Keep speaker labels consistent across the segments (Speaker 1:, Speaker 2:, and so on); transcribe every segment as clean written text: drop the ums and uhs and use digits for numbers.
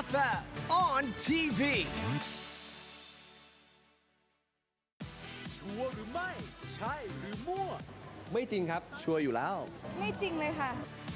Speaker 1: FM on TV
Speaker 2: ชัวร์หรือไม่ ใช่หรือมั่ว
Speaker 3: ไม่จริงครับ ชัวร์อยู่แล้ว
Speaker 4: ไม่จริงเลยค่ะ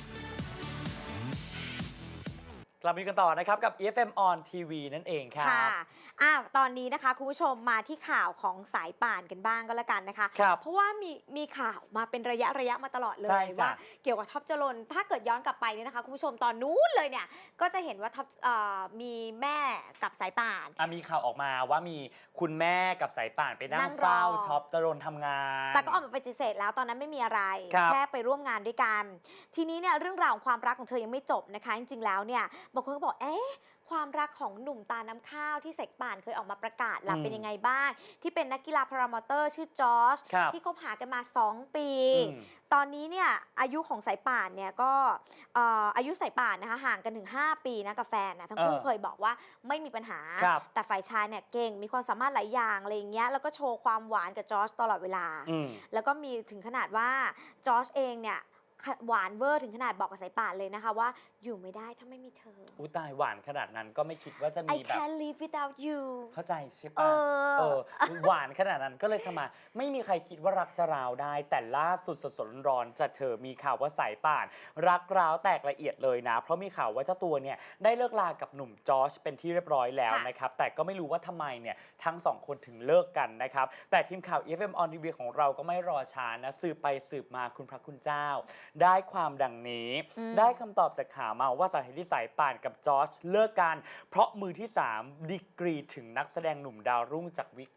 Speaker 5: กลับมากันต่อนะครับกับ EFM on TV นั่นเองครับ
Speaker 4: ค่ะตอนนี้นะคะคุณผู้ชมมาที่ข่าวของสายป่านกันบ้างก็แล้วกันนะคะ
Speaker 5: ครับ
Speaker 4: เพราะว่ามีข่าวมาเป็นระยะมาตลอดเล
Speaker 5: ใช่
Speaker 4: ย
Speaker 5: จ้ะ
Speaker 4: ว่าเกี่ยวกับท็อปจรนถ้าเกิดย้อนกลับไปเนี่ยนะคะคุณผู้ชมตอนนู้นเลยเนี่ยก็จะเห็นว่าท็อปมีแม่กับสายป่าน
Speaker 5: มีข่าวออกมาว่ามีคุณแม่กับสายป่านไปนั่
Speaker 4: นั่
Speaker 5: ง
Speaker 4: งรอ
Speaker 5: เฝ้าช็อปจรนทำงาน
Speaker 4: แต่ก็ออกมาปฏิเสธแล้วตอนนั้นไม่มีอะไร
Speaker 5: ครับ
Speaker 4: แค่ไปร่วมงานด้วยกัน ทีนี้เนี่ยเรื่องราวของความรักของเธอยังไม่จบนะคะจริงๆแล้วเนี่ยบางคนก็บอกความรักของหนุ่มตาน้ำข้าวที่เสกป่านเคยออกมาประกาศล่ะเป็นยังไงบ้าง ที่เป็นนักกีฬาพารามอเตอร์ชื่อจอร์จ
Speaker 5: ครับ
Speaker 4: ที่คบหากันมา 2 ปี
Speaker 5: อืม
Speaker 4: ตอนนี้เนี่ยอายุของสายป่านเนี่ยก็อายุสายป่านนะคะห่างกันถึง 5 ปีนะกับแฟนนะทั้งคู่เคยบอกว่าไม่มีปัญหา
Speaker 5: ครับ
Speaker 4: แต่ฝ่ายชายเนี่ยเก่งมีความสามารถหลายอย่างอะไรอย่างเงี้ยแล้วก็โชว์ความหวานกับจอร์จตลอดเวลา
Speaker 5: อืม
Speaker 4: แล้วก็มีถึงขนาดว่าจอร์จเองเนี่ยหวานเวอร์ถึงขนาดบอกกับสายป่านเลยนะคะว่าอยู่ไม่ได้ถ้าไม่มีเธอ
Speaker 5: อุยตายหวานขนาดนั้นก็ไม่คิดว่าจะ
Speaker 4: I
Speaker 5: มีแบบ
Speaker 4: can't live without you
Speaker 5: เข้าใจใช่
Speaker 4: เอ
Speaker 5: ปะ
Speaker 4: อ
Speaker 5: หวานขนาดนั้นก็เลยทำไมาไม่มีใครคิดว่ารักจะร้าวได้ แต่ล่าสุดสดๆร้อนๆจะเธอมีข่าวว่าสายป่าน รักร้าวแตกละเอียดเลยนะ เพราะมีข่าวว่าเจ้าตัวเนี่ยได้เลิกลากับหนุ่มจอร์จเป็นที่เรียบร้อยแล้ว
Speaker 4: ค่ะ
Speaker 5: นะครับแต่ก็ไม่รู้ว่าทำไมเนี่ยทั้งสองคนถึงเลิกกันนะครับแต่ทีมข่าว EFM on TV ของเราก็ไม่รอช้านะสืบไปสืบมาคุณพระคุณเจ้า ได้ความดังนี้ ได้คำตอบจากข่าวมาว่าสาเหตุที่สายป่านกับจอร์จเลิกกัน เพราะมือที่ 3 ดีกรีถึงนักแสดงหนุ่มดาวรุ่งจากวิก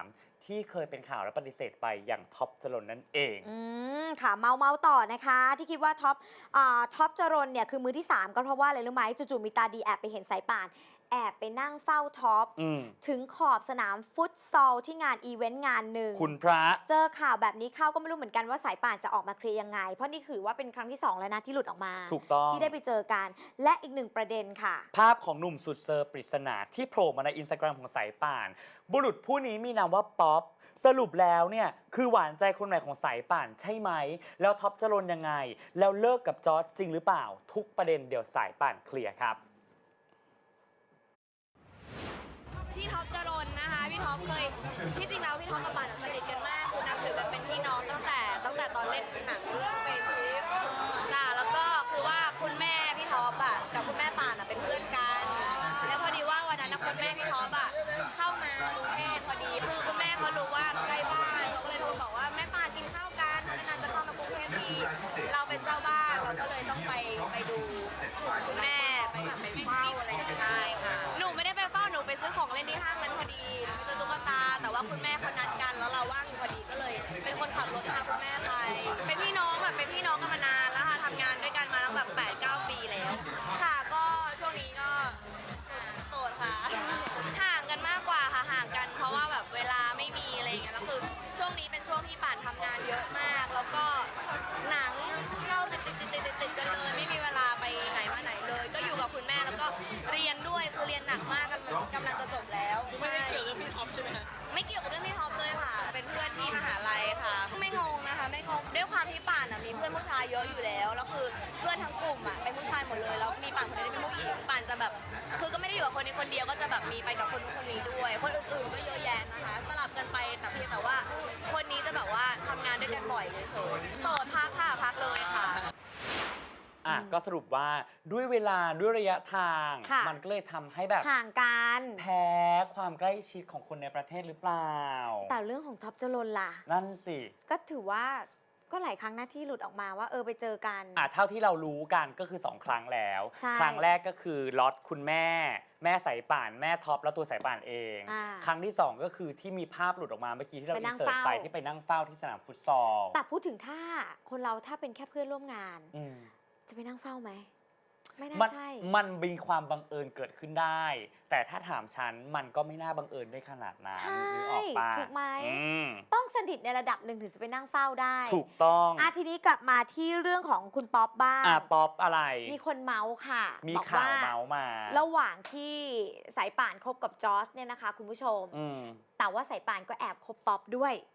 Speaker 5: 3 ที่เคยเป็นข่าวและปฏิเสธไปอย่างท็อปจรนนั่นเอง
Speaker 4: ค่ะเมาต่อนะคะ ที่คิดว่าท็อปจรนเนี่ยคือมือที่ 3 ก็เพราะว่าอะไรรู้ไหมจู่ๆมีตาดีแอบไปเห็นสายป่าน แอบไปนั่งเฝ้าท็อป ถึงขอบสนามฟุตซอลที่งานอีเวนต์งานหนึ่ง
Speaker 5: คุณพระ
Speaker 4: เจอข่าวแบบนี้เข้าก็ไม่รู้เหมือนกันว่าสายป่านจะออกมาเคลียร์ยังไง เพราะนี่ถือว่าเป็นครั้งที่ 2 แล้วนะที่หลุดออกมา
Speaker 5: ถูกต้อง
Speaker 4: ที่ได้ไปเจอกัน และอีกหนึ่งประเด็นค่ะ
Speaker 5: ภาพของหนุ่มสุดเซอร์ปริศนาที่โผล่มาในอินสตาแกรมของสายป่าน บุรุษผู้นี้มีนามว่าป๊อปสรุปแล้วเนี่ยคือหวานใจคนใหม่ของสายป่านใช่ไหมแล้วท็อปจรนยังไง แล้วเลิกกับจอร์จจริงหรือเปล่า ทุกประเด็นเดี๋ยวสายป่านเคลียร์ครับ
Speaker 6: พี่ท็อปจรนนะคะ พี่ท็อปเคยที่จริงแล้วพี่ท็อปกับป่านสนิทกันมากคือนับถือกันเป็นพี่น้องตั้งแต่ตอนเล่นหนังเรื่องเฟซชิปจ้ะแล้วก็คือว่าคุณแม่พี่ท็อปอ่ะกับคุณแม่ป่านอ่ะเป็นเพื่อนกันแล้วพอดีว่าวันนั้นคุณแม่พี่ท็อปอ่ะเข้ามากรุงเทพพอดีคือคุณแม่เขารู้ว่าใกล้บ้านเขาก็เลยโทรบอกว่าแม่ป่านกินข้าวกันนานๆจะเข้ามากรุงเทพทีเราเป็นเจ้าบ้านเราก็เลยต้องไปดูคุณแม่ไปเฝ้าอะไรอย่างเงี้ยได้ค่ะหนูไม่ได้ไปเฝ้าหนูไปซื้อของเล่นที่ห้างนั้นพอดีไปซื้อตุ๊กตาแต่ว่าคุณแม่เขานัดกันแล้วเราว่างอยู่พอดีก็เลย เป็นคนขับรถพาคุณแม่ไปเป็นพี่น้องกันมานานแล้วค่ะทำงานด้วยกันมาแล้วแบบ 8-9 ปีแล้ว ค่ะก็ช่วงนี้ก็โสดค่ะ ห่างกันมากกว่าค่ะห่างกันเพราะว่าแบบเวลาไม่มีอะไรอย่างเงี้ยแล้วคือช่วงนี้เป็นช่วงที่ป่านทำงานเยอะมาก แล้วก็หนังเข้าติดกันเลยไม่มีเวลาไปไหนมาไหนเลย ก็อยู่กับคุณแม่แล้วก็เรียนด้วยคือเรียนหนักมากกำลังจะจบแล้วไม่ได้เกี่ยวกับเรื่องพี่ท็อปใช่ไหมคะไม่เกี่ยวกับเรื่องพี่ท็อปเลยค่ะ เป็นเพื่อนที่มหาลัยค่ะ ไม่งงนะคะไม่งงด้วยความที่ป่านอ่ะมีเพื่อนผู้ชายเยอะอยู่แล้วแล้วคือเพื่อนทั้งกลุ่มอ่ะเป็นผู้ชายหมดเลยแล้วมีป่านคนเดียวที่เป็นผู้หญิงป่านจะแบบคือก็ไม่ได้อยู่กับคนนี้คนเดียวก็จะแบบมีไปกับคนนู้นคนนี้ด้วย คนอื่นๆก็เยอะแยะนะคะสลับกันไปแต่เพียงแต่ว่าคนนี้จะแบบว่าทำงานด้วยกันบ่อยเฉยๆโสดพักค่ะพักเลยค่ะ
Speaker 5: ก็สรุปว่าด้วยเวลาด้วยระยะทาง
Speaker 4: ค่ะ
Speaker 5: มันก็เลยทำให้แบบ
Speaker 4: ห่างกัน
Speaker 5: แพ้ความใกล้ชิดของคนในประเทศหรือเปล่า
Speaker 4: แต่เรื่องของท็อปจรนล่ะ
Speaker 5: นั่นสิ
Speaker 4: ก็ถือว่าก็หลายครั้งนะที่หลุดออกมาว่าไปเจอกัน
Speaker 5: เท่าที่เรารู้กันก็คือ 2 ครั้งแล้ว
Speaker 4: ใช่
Speaker 5: ครั้งแรกก็คือล็อตคุณแม่สายป่านแม่ท็อปแล้วตัวสายป่านเอง ครั้งที่ 2 ก็คือที่มีภาพหลุดออกมาเมื่อกี้ที่เรา
Speaker 4: ไป
Speaker 5: อิ
Speaker 4: นั่
Speaker 5: น
Speaker 4: ง
Speaker 5: เสิร์ต
Speaker 4: เฝ้า
Speaker 5: ไปที่ไปนั่งเฝ้าที่สนามฟุตซอล
Speaker 4: แต่พูดถึงถ้าคนเราถ้าเป็นแค่เพื่อนร่วมงาน
Speaker 5: อืม
Speaker 4: จะไปนั่งเฝ้าไหม ไม่น่า
Speaker 5: มัน
Speaker 4: ใช่
Speaker 5: มันมีความบังเอิญเกิดขึ้นได้ แต่ถ้าถามฉันมันก็ไม่น่าบังเอิญได้ขนาดนั้น
Speaker 4: ใช่
Speaker 5: นึกออกปะ
Speaker 4: ถูกไหม
Speaker 5: อืม
Speaker 4: ต้องสนิทในระดับหนึ่งถึงจะไปนั่งเฝ้าได้
Speaker 5: ถูกต้อง
Speaker 4: ทีนี้กลับมาที่เรื่องของคุณป๊อปบ้าง
Speaker 5: ป๊อปอะไร
Speaker 4: มีคนเมาส์ค่ะ
Speaker 5: มี
Speaker 4: บอก
Speaker 5: ข่าวเมาส์มา
Speaker 4: ระหว่างที่สายป่านคบกับจอร์จเนี่ยนะคะคุณผู้ชม
Speaker 5: อืม
Speaker 4: แต่ว่าสายป่านก็แอบคบป๊อปด้วย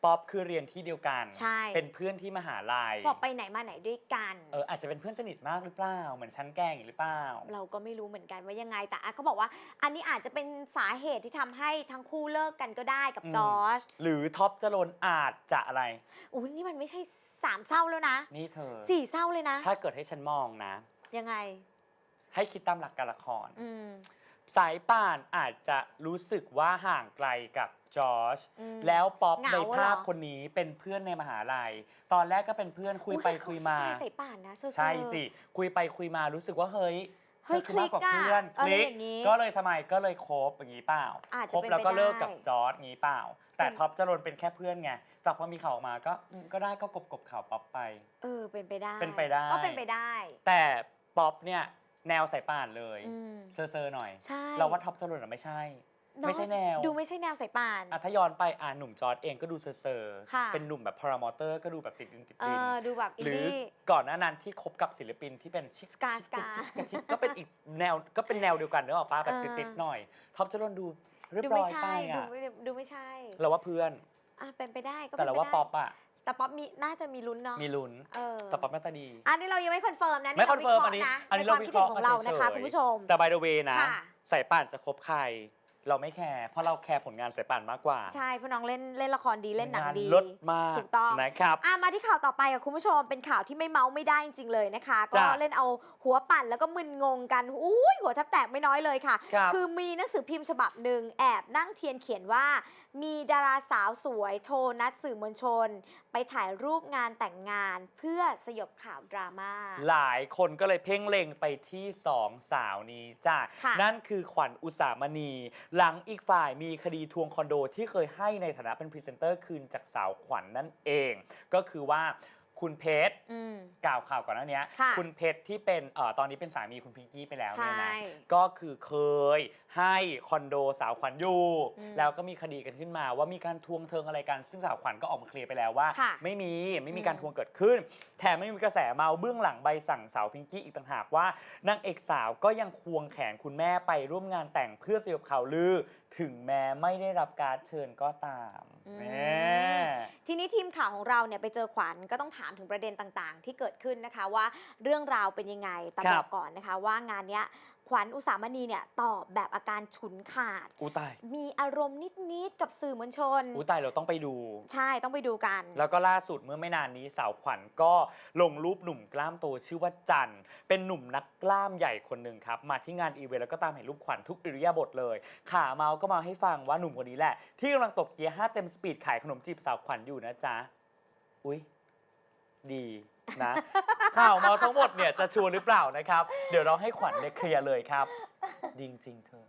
Speaker 5: ป๊อปคือเรียนที่เดียวกัน
Speaker 4: ใช่
Speaker 5: เป็นเพื่อนที่มหาลัย
Speaker 4: บอกไปไหนมาไหนด้วยกัน
Speaker 5: อาจจะเป็นเพื่อนสนิทมากหรือเปล่าเหมือนชั้นแกงหรือเปล่า
Speaker 4: เราก็ไม่รู้เหมือนกันว่ายังไงแต่เขาบอกว่าอันนี้อาจจะเป็นสาเหตุที่ทำให้ทั้งคู่เลิกกันก็ได้กับจอร์จ
Speaker 5: หรือท็อปจรนอาจจะอะไร
Speaker 4: อุ้ยนี่มันไม่ใช่3เศร้าแล้วนะ
Speaker 5: นี่เธอ
Speaker 4: 4เศร้าเลยนะ
Speaker 5: ถ้าเกิดให้ฉันมองนะ
Speaker 4: ยังไง
Speaker 5: ให้คิดตามหลักการละคร
Speaker 4: อืม
Speaker 5: สายป่านอาจจะรู้สึกว่าห่างไกลกับจอร์จ
Speaker 4: อืม
Speaker 5: แล้วป๊อป
Speaker 4: เหงา
Speaker 5: ในภาพ
Speaker 4: เหรอ
Speaker 5: คนนี้เป็นเพื่อนในมหาลัย ตอนแรกก็เป็นเพื่อนคุยไปคุยมา
Speaker 4: อุ๊เขสไตล์ใส่ป่านนะเซอร์ๆ
Speaker 5: ใช่สิ คุยไปคุยมารู้สึกว่าเฮ้ย
Speaker 4: เฮ้ย
Speaker 5: ธอคือมากกว่า
Speaker 4: คลิกอะ
Speaker 5: เพื่อน
Speaker 4: อะไร
Speaker 5: คลิก
Speaker 4: อย่างงี้
Speaker 5: ก็เลยทำไมก็เลยคบอย่างนี้เปล่า
Speaker 4: อาจจะ
Speaker 5: คบแล้วก็
Speaker 4: เป็นไปได้
Speaker 5: เลิกกับจอร์จงี้เปล่า แต่
Speaker 4: เป็น
Speaker 5: ท็อปจรนเป็นแค่เพื่อนไงแต่พอมีข่าวออกมาก็ก็ได้ก็กบข่าวป๊อปไป
Speaker 4: เป็นไปได้
Speaker 5: เป็นไปได้
Speaker 4: ก็เป็นไปได้
Speaker 5: แต่ป๊อปเนี่ยแนวสายป่านเลย
Speaker 4: อืม
Speaker 5: เซอร์ๆหน่อย
Speaker 4: ใช่
Speaker 5: เราว่าท็อปจรนไม่ใช่
Speaker 4: เนอะ
Speaker 5: ไม่ใช่แนว
Speaker 4: ดูไม่ใช่แนวสายป่าน
Speaker 5: ถ้าย้อนไปหนุ่มจอร์จเองก็ดูเซอร์
Speaker 4: ค่ะ
Speaker 5: เป็นหนุ่มแบบพารามอเตอร์ก็ดูแบบติดดินติดดิน
Speaker 4: ดูแบบอิน
Speaker 5: หรือ
Speaker 4: ดี้
Speaker 5: ก่อนหน้านั้นที่คบกับศิลปินที่เป็นชิค
Speaker 4: สกา
Speaker 5: ชิคกระชิคก็เป็นอีกแนวก็เป็นแนวเดียวกันเนอะป้าแบบติดๆหน่อยท็อปจรนดูเรียบ
Speaker 4: ดู
Speaker 5: ร้
Speaker 4: ไม่
Speaker 5: อย
Speaker 4: ใช่
Speaker 5: ไป
Speaker 4: ดูไม่ใช่
Speaker 5: เราว่าเพื่อน
Speaker 4: เป็นไปได้ก็
Speaker 5: แต่
Speaker 4: เป็น
Speaker 5: เรา
Speaker 4: ไป
Speaker 5: ว่า
Speaker 4: ได้
Speaker 5: ป๊อปอะ
Speaker 4: แต่ป๊อปน่าจะมีลุ้นเนาะ
Speaker 5: มีลุ้น แต่ป๊อปหน้าตาดี
Speaker 4: อันนี้เรายังไม่คอนเฟิร์มนะ
Speaker 5: ไม่คอนเฟิร์มอันนี้
Speaker 4: อันนี้เราวิเคราะห์ของเรานะคะคุณผู้ชม
Speaker 5: แต่ by the way นะ
Speaker 4: ค่ะ
Speaker 5: สายป่านจะคบใคร เราไม่แคร์เพราะเราแคร์ผลงานสายป่านมากกว่า
Speaker 4: ใช่เพราะน้องเล่นละครดีเล่นหนังดี
Speaker 5: ลดมาก
Speaker 4: ถูกต้อง
Speaker 5: นะครับ
Speaker 4: มาที่ข่าวต่อไปกับคุณผู้ชมเป็นข่าวที่ไม่เมาไม่ได้จริงๆเลยนะคะ ก็
Speaker 5: จ้ะ
Speaker 4: เล่นเอาหัวปั่นแล้วก็มึนงงกันหัวแทบแตกไม่น้อยเลยค่ะ
Speaker 5: ครับ
Speaker 4: คือมีหนังสือพิมพ์ฉบับหนึ่งแอบนั่งเทียนเขียนว่า มีดาราสาวสวยโทรนัดสื่อมวลชน ไปถ่ายรูปงานแต่งงานเพื่อสยบข่าวดราม่า
Speaker 5: หลายคนก็เลยเพ่งเล็งไปที่สองสาวนี้จ้ะ
Speaker 4: ค่ะ
Speaker 5: นั่นคือขวัญอุสามณี หลังอีกฝ่ายมีคดีทวงคอนโดที่เคยให้ในฐานะเป็นพรีเซนเตอร์คืนจากสาวขวัญนั่นเอง ก็คือว่าคุณเพชร กล่าวข่าวก่อนหน้านี้
Speaker 4: ค่ะ
Speaker 5: คุณเพชรที่เป็นตอนนี้เป็นสามีคุณพิงกี้ไปแล้วเนี่ยนะ
Speaker 4: ใช่
Speaker 5: ก็คือเคยให้คอนโดสาวขวัญอยู่
Speaker 4: อืม
Speaker 5: แล้วก็มีคดีกันขึ้นมาว่ามีการทวงเทิงอะไรกัน ซึ่งสาวขวัญก็ออกมาเคลียร์ไปแล้วว่า
Speaker 4: ค่ะ
Speaker 5: ไม่มีการทวงเกิดขึ้น แถมไม่มีกระแสเมาเบื้องหลังใบสั่งสาวพิงกี้อีกต่างหากว่านางเอกสาวก็ยังควงแขนคุณแม่ไปร่วมงานแต่งเพื่อสยบข่าวลือ ถึงแม้ไม่ได้รับการเชิญก็ตาม
Speaker 4: อืม
Speaker 5: แน่
Speaker 4: ทีนี้ทีมข่าวของเราเนี่ยไปเจอขวัญก็ต้องถามถึงประเด็นต่างๆ ที่เกิดขึ้นนะคะว่าเรื่องราวเป็นยังไงแต่
Speaker 5: ครับ
Speaker 4: บอกก่อนนะคะว่างานเนี้ยขวัญอุสามณีเนี่ยตอบแบบอาการฉุนขาด
Speaker 5: อู้ตาย
Speaker 4: มีอารมณ์นิดๆกับสื่อมวลชน
Speaker 5: อู้ตายเราต้องไปดู
Speaker 4: ใช่ต้องไปดูกัน
Speaker 5: แล้วก็ล่าสุดเมื่อไม่นานนี้สาวขวัญก็ลงรูปหนุ่มกล้ามโตชื่อว่าจันเป็นหนุ่มนักกล้ามใหญ่คนหนึ่งครับมาที่งานอีเวนต์แล้วก็ตามเห็นรูปขวัญทุกอิริยาบถเลยขาเมาก็มาให้ฟังว่าหนุ่มคนนี้แหละ ที่กำลังตบเกียร์5 เต็มสปีดขายขนมจีบสาวขวัญอยู่นะจ๊ะอุ๊ยดีนะ ข่าวเมาทั้งหมดเนี่ยจะชัวร์หรือเปล่านะครับเดี๋ยวเราให้ขวัญได้เคลียร์เลยครับดีจริงๆเธอ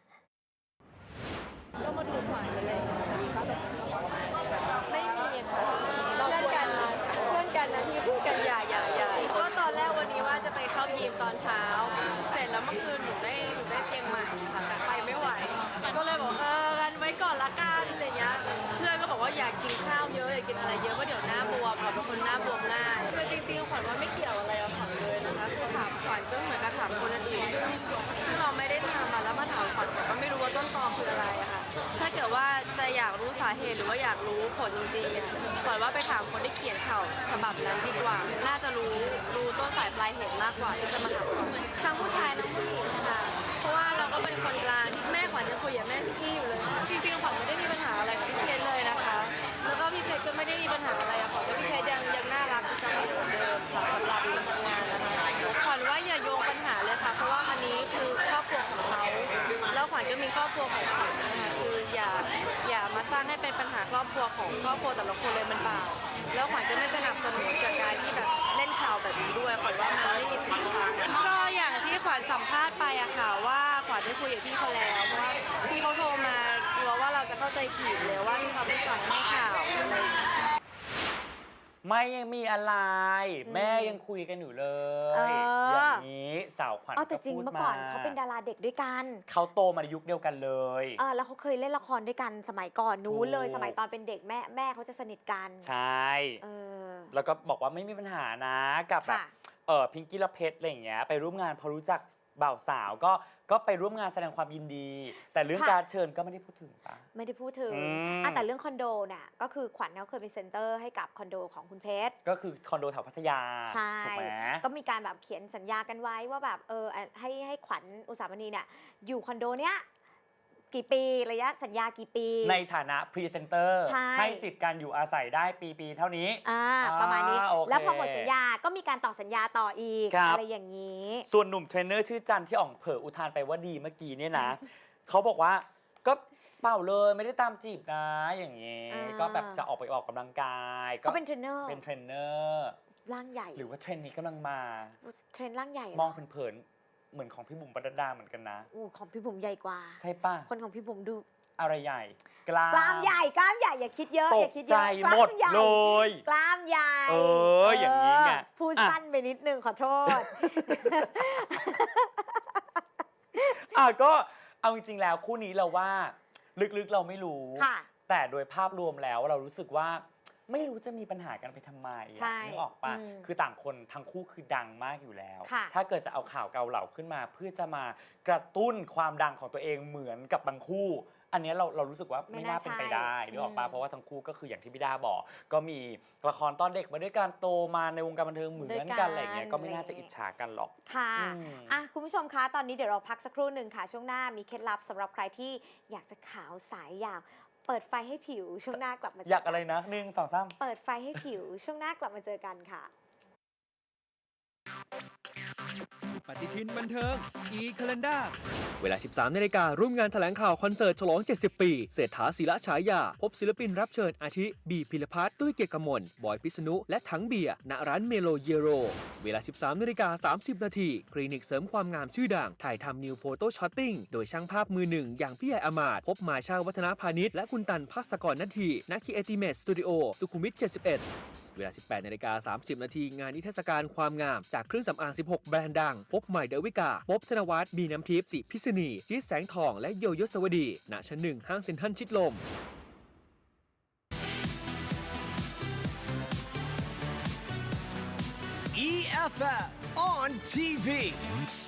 Speaker 7: ไม่มีค่ะเพื่อนกันนะที่พูดกันอย่าก็ตอนแรกวันนี้ว่าจะไปเข้ายิมตอนเช้า เสร็จแล้วเมื่อคืนหนูได้เตียงใหม่ค่ะแต่ไปไม่ไหว ก็เลยบอกกันไว้ก่อนละกันอะไรเงี้ยเพื่อนก็บอกว่าอยากกินข้าวเยอะอยากกินอะไรเยอะเพราะเดี๋ยวหน้าบวมเราเป็นคนหน้าบวมง่ายคือจริงๆขวัญว่าไม่เกี่ยวอะไรกับขวัญเลยนะคะคือถามขวัญก็เหมือนกับถามคนอื่นซึ่งเราไม่ได้ทำมาแล้วมาถามขวัญก็ไม่รู้ว่าต้นตอคืออะไรอะค่ะถ้าเกิดว่าจะอยากรู้สาเหตุหรือว่าอยากรู้ผลจริงๆอะขวัญว่าไปถามคนที่เขียนข่าวฉบับนั้นดีกว่า น่าจะรู้ต้นสายปลายเหตุมากกว่าที่จะมาถามขวัญทั้งผู้ชายทั้งผู้หญิงค่ะเพราะว่าเราก็เป็นคนกลางที่แม่ขวัญยังคุยกับแม่พี่อยู่เลย จริงๆขวัญไม่ได้มีปัญหาอะไรกับพี่เพชรเลยนะคะ แล้วก็พี่เพชรก็ไม่ได้มีปัญหาอะไรอะขวัญว่าพี่เพชรยังน่ารักจังเหมือนเดิมค่ะสำหรับการทำงานนะคะขวัญว่าอย่าโยงปัญหาเลยค่ะเพราะว่าอันนี้คือครอบครัวของเขาแล้วขวัญก็มีครอบครัวของขวัญนะคะคืออย่ามาสร้างให้เป็นปัญหาครอบครัวของครอบครัวแต่ละคนเลยมันบาปแล้วขวัญจะไม่สนับสนุนจากการที่แบบเล่นข่าวแบบนี้ด้วยขวัญว่ามันไม่มีสิทธิ์ค่ะก็อย่างที่ขวัญสัมภาษณ์ไปอะค่ะว่าขวัญได้คุยกับพี่เขาแล้วเพราะว่าพี่เขาโทรมากลัวว่าเราจะเข้าใจผิดเลยว่าที่เขาไม่ฟังให้ข่าวอะไรอย่างเงี้ย
Speaker 5: ไม่ยังมีอะไร แม่ยังคุยกันอยู่เลย อย่างนี้สาวขวัญ
Speaker 4: แต่จริง
Speaker 5: พูด
Speaker 4: เมื่อก่อนเขาเป็นดาราเด็กด้วยกัน
Speaker 5: เขาโตมาในยุคเดียวกันเลย
Speaker 4: แล้วเขาเคยเล่นละครด้วยกันสมัยก่อนนู้นเลย
Speaker 5: ถูก
Speaker 4: สมัยตอนเป็นเด็กแม่เขาจะสนิทกัน
Speaker 5: ใช่
Speaker 4: เออ
Speaker 5: แล้วก็บอกว่าไม่มีปัญหานะกับแบบ
Speaker 4: ค่ะ
Speaker 5: พิงกี้และเพชรอะไรอย่างเงี้ยไปร่วมงานพอรู้จักบ่าวสาวก็ไปร่วมงานแสดงความยินดี แต่เรื่อง
Speaker 4: ค่ะ
Speaker 5: การเชิญก็ไม่ได้พูดถึงปะ
Speaker 4: ไม่ได้พูดถึง
Speaker 5: อืม
Speaker 4: แต่เรื่องคอนโดน่ะก็คือขวัญเขาเคยเป็นเซ็นเตอร์ให้กับคอนโดของคุณเพชร
Speaker 5: ก็คือคอนโดแถวพัทยา
Speaker 4: ใช่
Speaker 5: ถูกไหม
Speaker 4: ก็มีการแบบเขียนสัญญากันไว้ว่าแบบให้ขวัญอุสามณีเนี่ยอยู่คอนโดเนี้ยกี่ปีระยะสัญญากี่ปี
Speaker 5: ในฐานะพรีเซนเตอร์
Speaker 4: ใช่
Speaker 5: ให้สิทธิ์การอยู่อาศัยได้ปีเท่านี้
Speaker 4: ประมาณนี้
Speaker 5: โอเค
Speaker 4: แล้วพอหมดสัญญาก็มีการต่อสัญญาต่ออีก
Speaker 5: ครับ
Speaker 4: อะไรอย่างนี้
Speaker 5: ส่วนหนุ่มเทรนเนอร์ชื่อจันที่อ่องเผยอุทานไปว่าดีเมื่อกี้เนี่ยนะ เขาบอกว่าก็เปล่าเลยไม่ได้ตามจีบนะอย่างนี้ ก็แบบจะออกไปออกกำลังกาย
Speaker 4: เขาเป็นเทรนเนอร์
Speaker 5: เป็นเทรนเนอร์
Speaker 4: ร่างใหญ่
Speaker 5: หรือว่าเทรนด์นี้กำลังมา
Speaker 4: เทรนร่างใหญ่เหร
Speaker 5: มองเผินๆเหมือนของพี่บุ๋มปนัดดาเหมือนกันนะ
Speaker 4: อู้ของพี่บุ๋มใหญ่กว่า
Speaker 5: ใช่ป่ะ
Speaker 4: คนของพี่บุ๋มดู
Speaker 5: อะไรใหญ่ก
Speaker 4: กล้ามใหญ่อย่าคิดเยอะ
Speaker 5: ต
Speaker 4: อย่าก คิดเย
Speaker 5: ใจ
Speaker 4: อะ
Speaker 5: หมด
Speaker 4: กล้าใญ่
Speaker 5: เลย
Speaker 4: กล้ามใหญ่
Speaker 5: อย่างนี้ไง
Speaker 4: พูด
Speaker 5: อ่ะ
Speaker 4: สั้นไปนิดนึงขอโทษ
Speaker 5: ก็เอาจริงๆแล้วคู่นี้เราว่าลึกๆเราไม่รู้
Speaker 4: ค่ะ
Speaker 5: แต่โดยภาพรวมแล้วเรารู้สึกว่าไม่รู้จะมีปัญหากันไปทำไมอะ
Speaker 4: ใช่
Speaker 5: นึกออกปะ
Speaker 4: อืม
Speaker 5: คือต่างคนทั้งคู่คือดังมากอยู่แล้ว
Speaker 4: ค่ะ
Speaker 5: ถ้าเกิดจะเอาข่าวเกาเหลาขึ้นมา เพื่อจะมากระตุ้นความดังของตัวเองเหมือนกับบางคู่ อันเนี้ยเรารู้สึกว่าไม่น่าเป็นไปได้นึกออกปะเพราะว่าทั้งคู่ก็คืออย่างที่พี่ดาบอก ก็มีละครตอนเด็กมาด้วยกันโตมาในวงการบันเทิงเหมือนกันอะไรเงี้ยก็ไม่น่าจะอิจฉากันหรอก
Speaker 4: ค่ะ
Speaker 5: อืม
Speaker 4: คุณผู้ชมคะ ตอนนี้เดี๋ยวเราพักสักครู่หนึ่งค่ะ ช่วงหน้ามีเคล็ดลับสำหรับใครที่อยากจะขาวใสอยากเปิดไฟให้ผิว ช่วงหน้ากลับมาเจ
Speaker 5: อยากอะไรนะ1 2 3
Speaker 4: เปิดไฟให้ผิว ช่วงหน้ากลับมาเจอกันค่ะ
Speaker 1: ปฏิทินบันเทิง e-calendar
Speaker 2: เวลา 13 นาฬิกา ร่วมงานแถลงข่าวคอนเสิร์ตฉลอง 70 ปี เศรษฐาศิระฉายา พบศิลปินรับเชิญอาทิ บีพิรพัฒน์ ตุ้ยเกียรติกมล บอยพิษณุ และถังเบียร์ ณ ร้านเมโลเยโร เวลา 13 นาฬิกา 30 นาที คลินิกเสริมความงามชื่อดัง ถ่ายทำนิวโฟโต้ช็อตติ้ง โดยช่างภาพมือหนึ่งอย่างพี่ใหญ่อมาตย์ พบมาชาวัฒนาพาณิชย์ และคุณตันภาสกรนาทีณคีเอติเมตสตูดิโอ สุขุมวิท 71 เวลา 18 นาฬิกา 30 นาที งานนิทรรศการความงามจากเครื่องสำอาง 16 แบรนด์ดัง พบใหม่เดวิกา พบธนวัฒน์ บีน้ำทิพย์ สิพิษณีจี๊ดแสงทอง และโยโยสวดี ณ ชั้น 1 ห้างเซ็นทรัลชิดลม
Speaker 1: EFF on TV